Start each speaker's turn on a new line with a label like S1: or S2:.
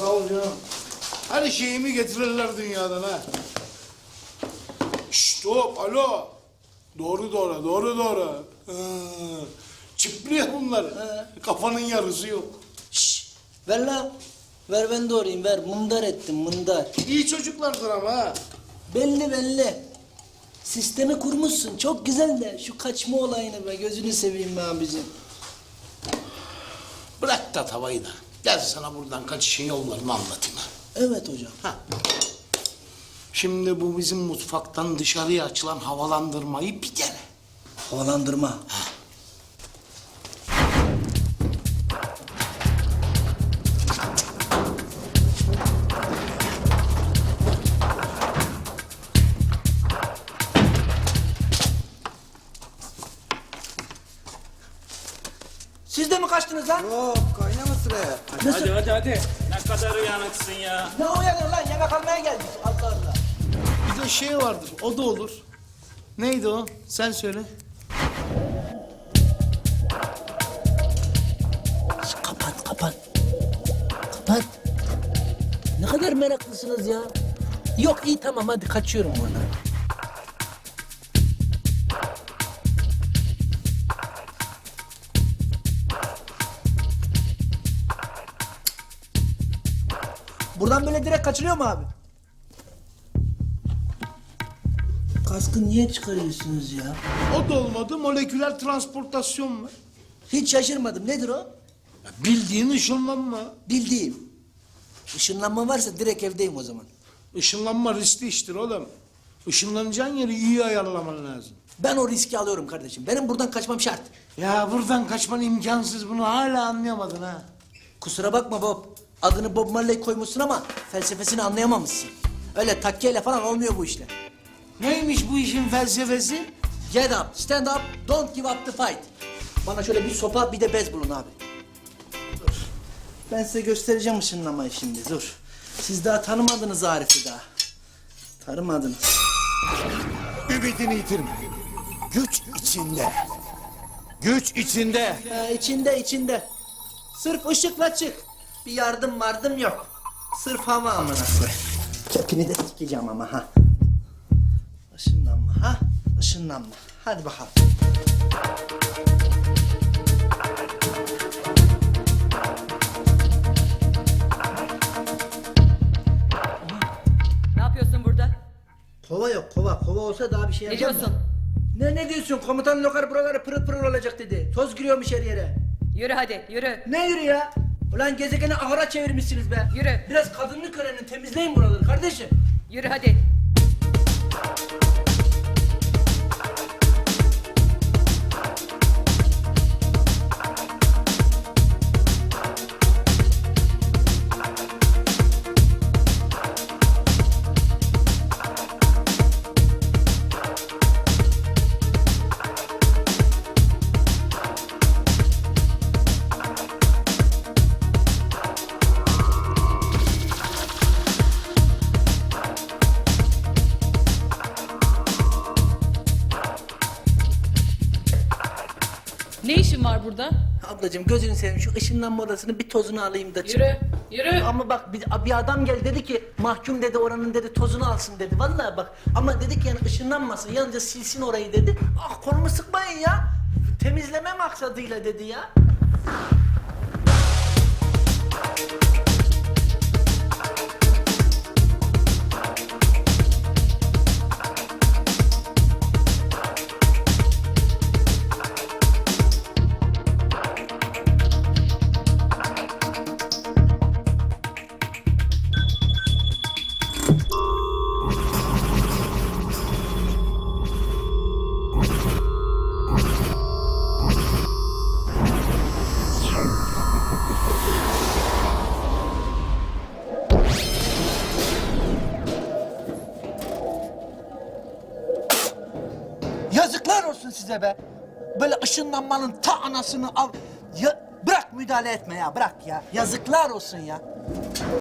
S1: ol canım. Her şeyimi getirirler dünyadan ha. Şşt hop alo. Doğru. Çıplıyor bunlar. Kafanın yarısı yok.
S2: Şşş, ver lan. Ver ben doğrayayım, ver. Mındar ettim, mındar.
S1: İyi çocuklardır ama ha.
S2: Belli. Sistemi kurmuşsun, çok güzel de şu kaçma olayını be, gözünü seveyim be abicim.
S1: Bırak da tavayı da. Gel sana buradan kaçışın yollarını anlatayım ha.
S2: Evet hocam.
S1: Ha. Şimdi bu bizim mutfaktan dışarıya açılan havalandırmayı bir dene.
S2: Havalandırma. Siz de mi kaçtınız lan?
S3: Yok kaynaması be.
S4: Hadi. Ne kadar uyanıksın ya.
S2: Ne uyanıyor lan? Yemek almaya geldik. Allah Allah.
S1: Bir de şey vardır, o da olur. Neydi o? Sen söyle.
S2: Kapat. Ne kadar meraklısınız ya. Yok iyi tamam hadi kaçıyorum buradan. Buradan böyle direkt kaçılıyor mu abi? Kaskı niye çıkarıyorsunuz ya?
S1: O da olmadı, moleküler transportasyon var.
S2: Hiç şaşırmadım. Nedir o?
S1: Bildiğin ışınlanma.
S2: Bildiğim. Işınlanma varsa direkt evdeyim o zaman.
S1: Işınlanma riskli iştir oğlum. Işınlanacağın yeri iyi ayarlaman lazım.
S2: Ben o riski alıyorum kardeşim. Benim buradan kaçmam şart.
S1: Ya buradan kaçman imkansız, bunu hala anlayamadın ha.
S2: Kusura bakma Bob. Adını Bob Marley koymuşsun ama felsefesini anlayamamışsın. Öyle takkeyle falan olmuyor bu işler.
S1: Neymiş bu işin felsefesi?
S2: Get up, stand up, don't give up the fight. Bana şöyle bir sopa bir de bez bulun abi. Dur. Ben size göstereceğim ışınlamayı şimdi dur. Siz daha tanımadınız Arif'i daha. Tanımadınız.
S3: Ümidini yitirme. Güç içinde. Güç içinde.
S2: İçinde. Sırf ışıkla çık. Bir yardım yok. Sırf hava amına koy. Kepini de sikeceğim ama ha. Işınlanma. Hadi bakalım.
S5: Ne yapıyorsun burada?
S2: Kova yok kova. Kova olsa daha bir şey
S5: Ne
S2: yapacağım
S5: diyorsun?
S2: da. Ne diyorsun? Komutan lokar buraları pırıl pırıl olacak dedi. Toz giriyormuş her yere.
S5: Yürü hadi, yürü.
S2: Ne yürü ya? Ulan gezegeni ahıra çevirmişsiniz be.
S5: Yürü.
S2: Biraz kadınlık öğrenin, temizleyin buraları kardeşim.
S5: Yürü hadi.
S6: Ne işin var burada?
S2: Ablacığım gözünü seveyim şu ışınlanma odasının bir tozunu alayım da çık.
S6: Yürü.
S2: Ama bak bir adam geldi dedi ki mahkum dedi oranın dedi tozunu alsın dedi. Vallahi bak ama dedik yani ışınlanmasın yalnızca silsin orayı dedi. Ah kolumu sıkmayın ya. Temizleme maksadıyla dedi ya. Yazıklar olsun size be. Böyle ışınlanmanın ta anasını al. Ya, bırak müdahale etme ya bırak ya. Yazıklar olsun ya.